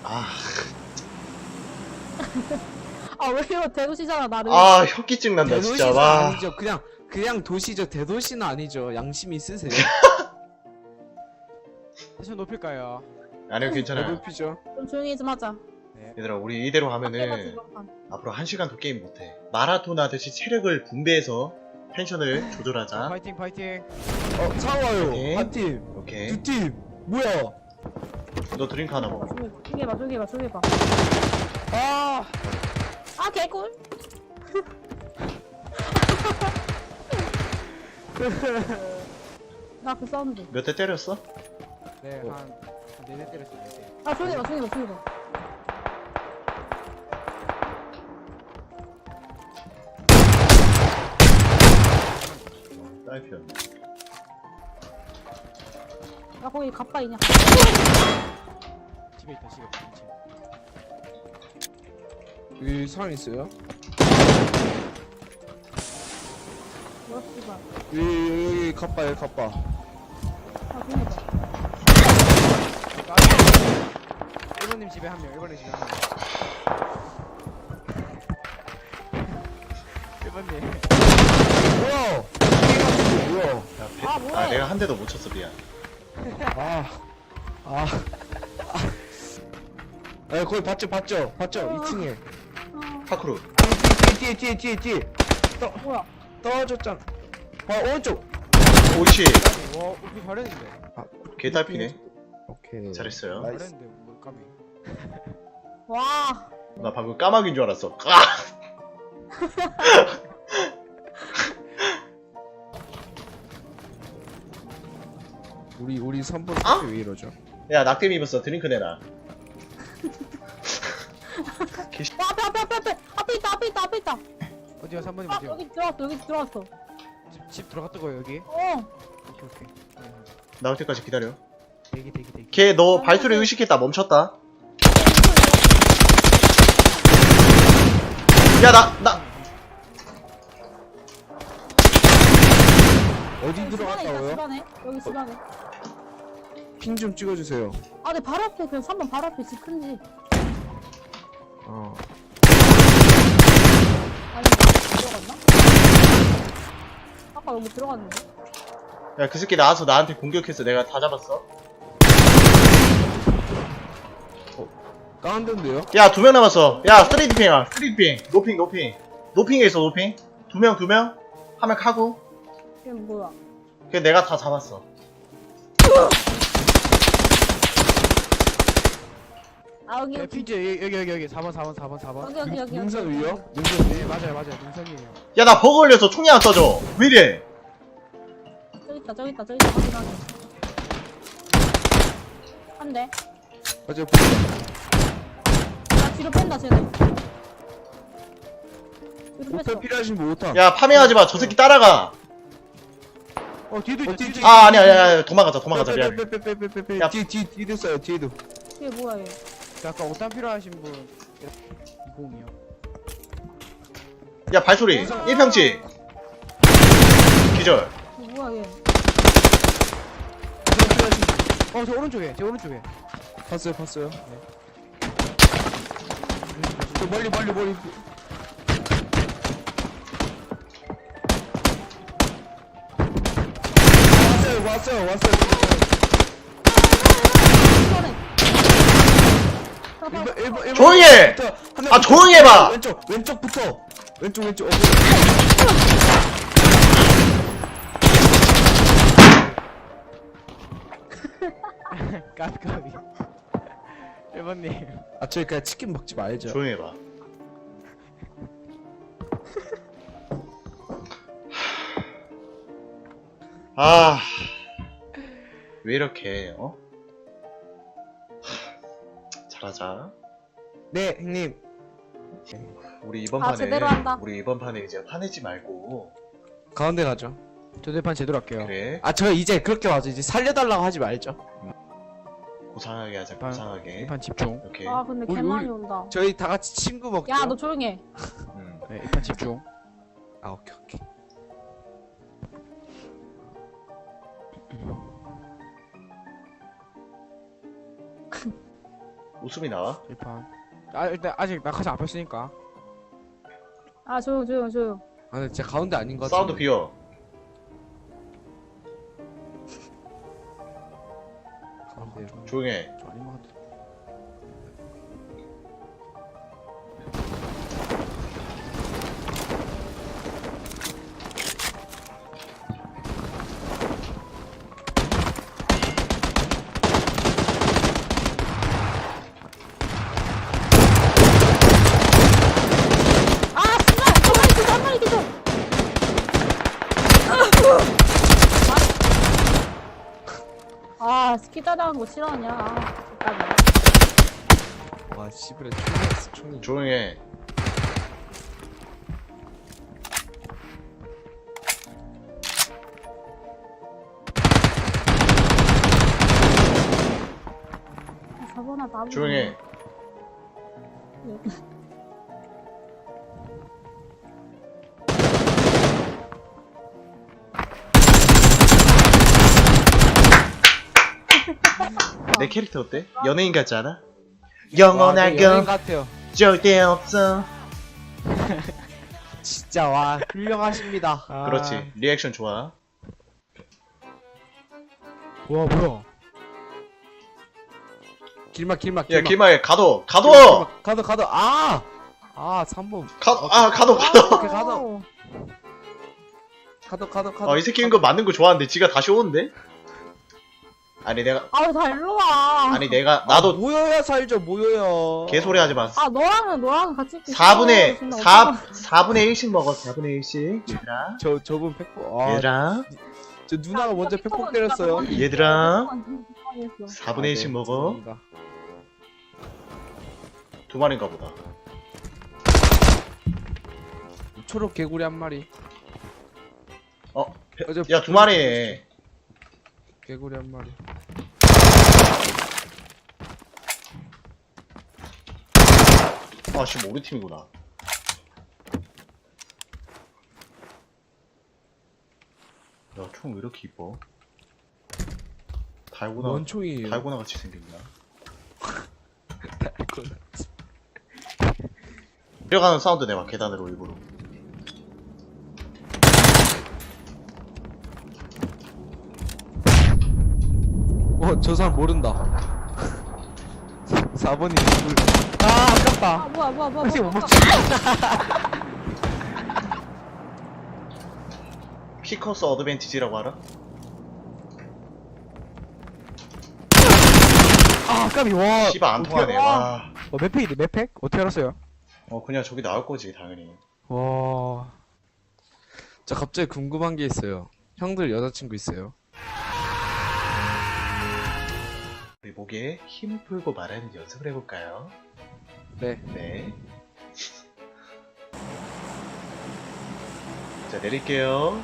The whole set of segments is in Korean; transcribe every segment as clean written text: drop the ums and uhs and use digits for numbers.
아, 아, 왜 이거 대도시잖아, 나를. 아 혁기증 난다 진짜. 대도시는 와. 아니죠. 그냥 도시죠. 대도시는 아니죠. 양심이 있으세요. 텐션 높일까요? 아니요 괜찮아요. 배고프죠. 좀 조용히 좀 하자. 얘들아 우리 이대로 해봐, 하면은 지금. 앞으로 1시간도 게임 못해. 마라톤 하듯이 체력을 분배해서 텐션을 조절하자. 파이팅 파이팅. 상와요. 오케이. 한 팀, 오케이. 두 팀. 뭐야? 너 드링크 하나 먹어. 조용히 해봐, 조용히 해봐, 조용히 해봐. 아 아, 개꿀. 나 그 사운드. 몇 대 때렸어? 네, 한 4대 때렸어요. 4대. 아, 조용히 해봐, 조용히 해봐, 조용히 해봐. 딸피였네. 야, 거기 가빠 있냐? 집에 있다 집에. 여기 사람 있어요? 뭐야, 씨발. 여기 갑바에 갑바. 아, 조용히 해봐. 1번님 집에 한 명. 1번님 집에 한 명. 1번님. 뭐야? 뭐야? 야, 아, 뭐해? 아 내가 한 대도 못 쳤어 미안. 아, 거기 봤죠? 2층에. 파크루. 뒤에. 뭐야? 떨어졌잖아. 오른쪽. 오이씨. 와 우리 잘했는데. 개 딸피네. 오케이. 잘했어요. 나이스. 잘했는데 뭐 까비. 와. 나 방금 까마귀인 줄 알았어. 아! 우리 3번 아? 왜 이러죠? 야 낙뎀 입었어. 드링크 내놔. 와, 앞에 있다. 어디야 3번님 아, 어디야? 여기 들어왔어. 집 들어갔다고요 여기? 어. 오케이. 나올 때까지 기다려. 대기. 걔 너 발소리 의식했다. 멈췄다. 야 나 어디 여기 집안에 있다, 들어갔다고요? 집안에. 여기 집안에. 핑 좀 찍어주세요. 아, 내 바로 앞에, 그냥 3번 바로 앞에 집 큰 집. 아니, 들어갔나? 아까 여기 들어갔는데? 야 그 새끼 나와서 나한테 공격했어. 내가 다 잡았어. 다운된데요? 야 2명 남았어. 야 스트레이트 핑아. 스트레이트 핑. 노핑에 있어 노핑. 2명. 1명 카고. 이게 뭐야? 걔 내가 다 잡았어. 아, 여기, 네, 여기. 피지 여기 4번. 여기. 능선 위요? 네 맞아요 능선이에요. 야 나 버그 걸려서 총이 안 써져. 왜 이래? 저기 있다. 확인하게. 한 대. 맞아요. 보인다. 나 뒤로 뺀다, 쟤네. 뒤로 오타 뺐어. 필요하신 분 오타. 야 파밍하지 마. 저 새끼 따라가. 뒤도 있다. 뒤도 아 아니야 도망가자 미안. 빼빼빼빼빼빼빼. 야. 뒤도 써요. 뒤에도. 이게 뭐야, 얘. 아까 옷단 필요하신 분 20이요. 야 발소리 1평치 기절. 이거 뭐야, 얘. 저 오른쪽에 제 오른쪽에. 봤어요. 저 멀리. 왔어요. 이번에. 조용히 해! 아, 조용히 해봐! 왼쪽부터. 왼쪽. 까비. 1번님. 저희 그냥 치킨 먹지 말죠. 조용히 해봐. 아, 왜 이렇게 어? 잘하자. 네, 형님. 우리 이번 아, 판에 제대로 한다. 이제 화내지 말고 가운데 가죠. 조대판 제대로 할게요. 그래 저 이제 그렇게 와서 이제 살려달라고 하지 말죠. 고상하게 하자. 판- 고상하게. 1판 집중. 오케이. 아, 근데 우리- 개 많이 우리- 온다. 저희 다 같이 친구 먹죠. 야, 너 조용히 해. 음. 네, 1판 집중. 오케이. 웃음이 나와? 1판. 아 일단 아직 낙하산 안 폈으니까. 아 조용 조용 조용. 아 근데 진짜 가운데 아닌 것 사운드 같은데. 비어. 가운데. 조용해. 좀 아닌 것 같아. 아 씨발 한 마리 기절. 아 스키 따라하는 거 싫어하냐? 아, 잠깐만. 와 씨부레 총이었어 총이. 조용해. 저번에 나무. 조용해. 내 캐릭터 어때? 연예인 같지 않아? 와, 저 연예인 영원하고 같아요. 절대 없어. 진짜 와 훌륭하십니다. 아. 그렇지. 리액션 좋아. 와 뭐야? 길막 길막 야 길막. 길막에 가둬. 가도 아 3번 가둬. 오케이, 가도 이 새끼는 거 맞는 거 좋아하는데 지가 다시 오는데? 아니 내가 아다 일로 와. 나도 모여야 살죠 모여야. 개소리 하지 마. 아 너랑 같이 있기 4분의 싫어. 4분의 1씩 먹어. 4분의 1씩. 얘들아. 저분 팩폭. 아, 얘들아. 저 누나가 먼저 팩폭 때렸어요. 얘들아. 아, 4분의 1씩 먹어. 죄송합니다. 두 마리인가 보다. 초록 개구리 한 마리. 야, 두 마리네. 개구리 한 마리. 아, 지금 우리 팀이구나. 야, 총 왜 이렇게 이뻐? 뭔 총이에요? 달고나 같이 생겼나? 뛰어가는 사운드 내봐, 계단으로 일부러. 저 사람 모른다. 4번이 누굴? 아 아깝다. 아 뭐야 혹시 못 먹지? 피커스 어드밴티지라고 알아? 아 까비 와. 씨발 안 통하네, 와. 몇 팩이지? 몇 팩? 어떻게 알았어요? 그냥 저기 나올 거지, 당연히. 와. 저 갑자기 궁금한 게 있어요. 형들 여자친구 있어요? 우리 목에 힘을 풀고 말하는 연습을 해볼까요? 네. 네. 자, 내릴게요.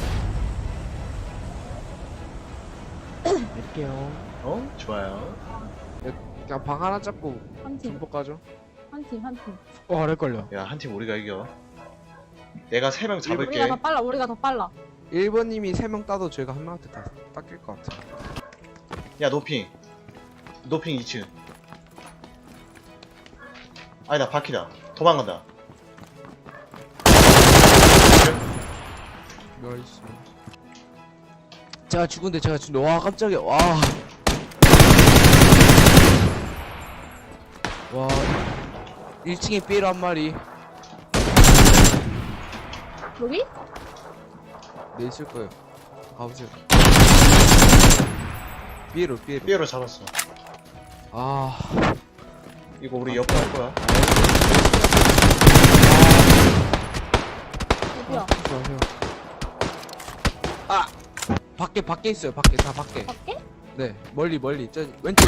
낼게요. 좋아요. 그냥 방 하나 잡고 한팀 전복 가죠. 한 팀. 어랄걸요. 야, 한 팀 우리가 이겨. 내가 3명 잡을게. 우리가 더 빨라. 1번님이 3명 따도 저희가 한 명한테 다 닦일 것 같아. 야, 노핑 2층. 아니다, 바퀴다. 도망간다. 나이스. 제가 죽은데 와 깜짝이야. 와 1층에 삐로 한 마리. 여기? 네 있을 거예요. 가보세요. 삐로 삐에로 잡았어. 아 이거 우리 옆으로 할 거야. 어디야? 좋아요. 아 밖에 있어요. 밖에 다 밖에. 밖에? 네 멀리 저 왼쪽.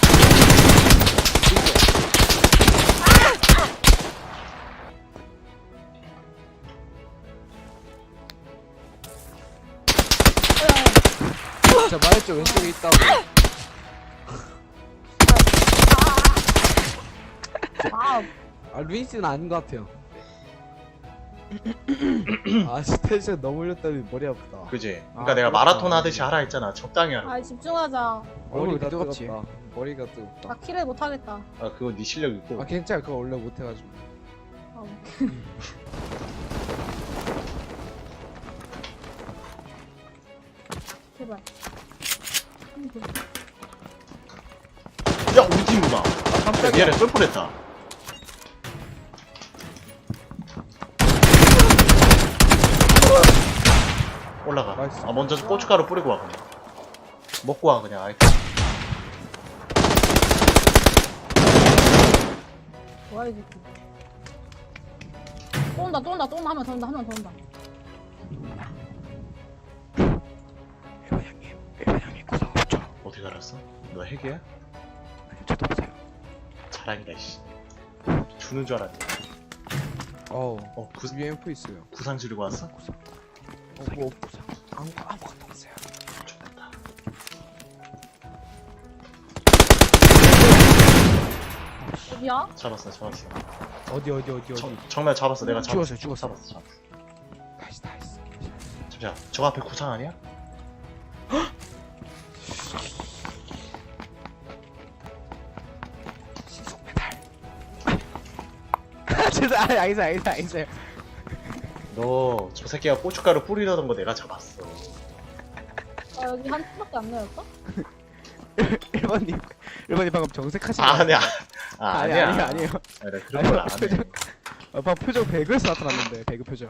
제가 말했죠 왼쪽에 있다고. 아 루이스는 아닌 것 같아요. 아 스테이션 너무 올렸더니 머리 아프다. 그지? 그러니까 내가 마라톤 하듯이 하라 했잖아. 적당히 하라. 집중하자. 얼굴이 머리가 뜨겁지. 뜨겁다. 머리가 뜨겁다. 나 킬을 못하겠다. 아 그거 네 실력 있고. 아 괜찮아. 그거 원래 못해가지고. 아, 제발. 야 우리 팀구나. 아 깜짝이야. 미안해 쏠뻔했다. 올라가. 나이스. 아 먼저 고춧가루 뿌리고 와 그냥. 먹고 와 그냥 아이템. 뭐야 이 새끼. 또 온다 한 명 더 온다 한 명 더 온다. 일반 형님 구상 없죠? 어떻게 알았어? 너 핵이야? 아니 저도 없어요. 자랑이다 씨. 주는 줄 알았네. 어 UMP 있어요. 구상 지르고 왔어? 구상. 뭐 구상. 아무것도 없어요. 좋다. 어디야? 잡았어. 어디. 정말 잡았어. 내가 잡았어. 죽었어요. 잡았어. 나이스. 잠시만. 저 앞에 구상 아니야? 신속 메달. 죄송. 알겠어요. 너 저 새끼가 고춧가루 뿌리려던 거 내가 잡았어. 아 여기 한 팀밖에 안 내렸어? 1번님 방금 정색하신 아, 거 아니야. 아니야. 아니에요. 아, 나 그런 걸 안 해. 방금 표정 배그에서 나타났는데 배그 표정.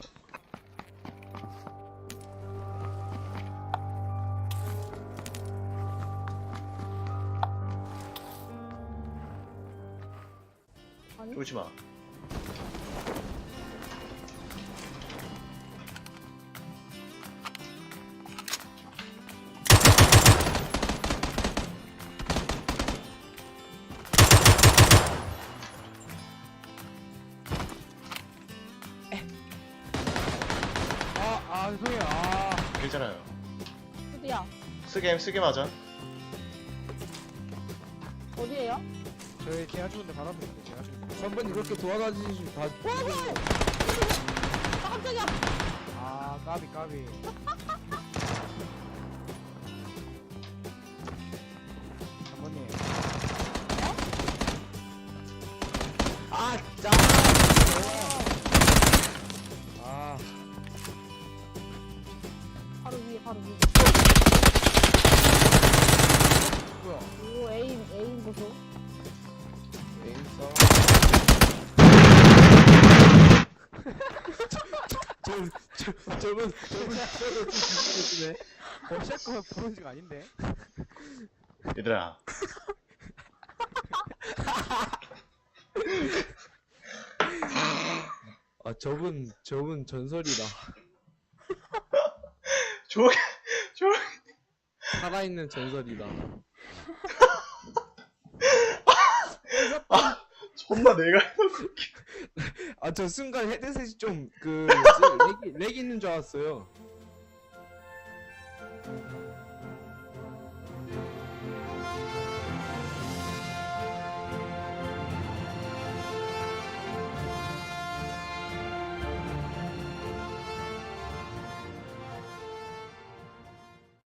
아니? 쫄지 마. 죄송해요. 괜찮아요. 어디야? 쓰게 맞아. 어디에요? 저희 제가 죽은데 바로 앞에 있는데 제가 죽은데. 3번이 그렇게 도와다니시 다. 아 깜짝이야. 아 까비. 장모님. 아 진짜. 아 바로 위에. 뭐야? 오 에임 보소. 에임싸. 저분 샷건 브론즈가 아닌데? 얘들아. 아 저분 전설이다. 조용히. 살아있는 전설이다. 아, 존나 내가 아 저 순간 헤드셋이 좀 렉이 있는 줄 알았어요.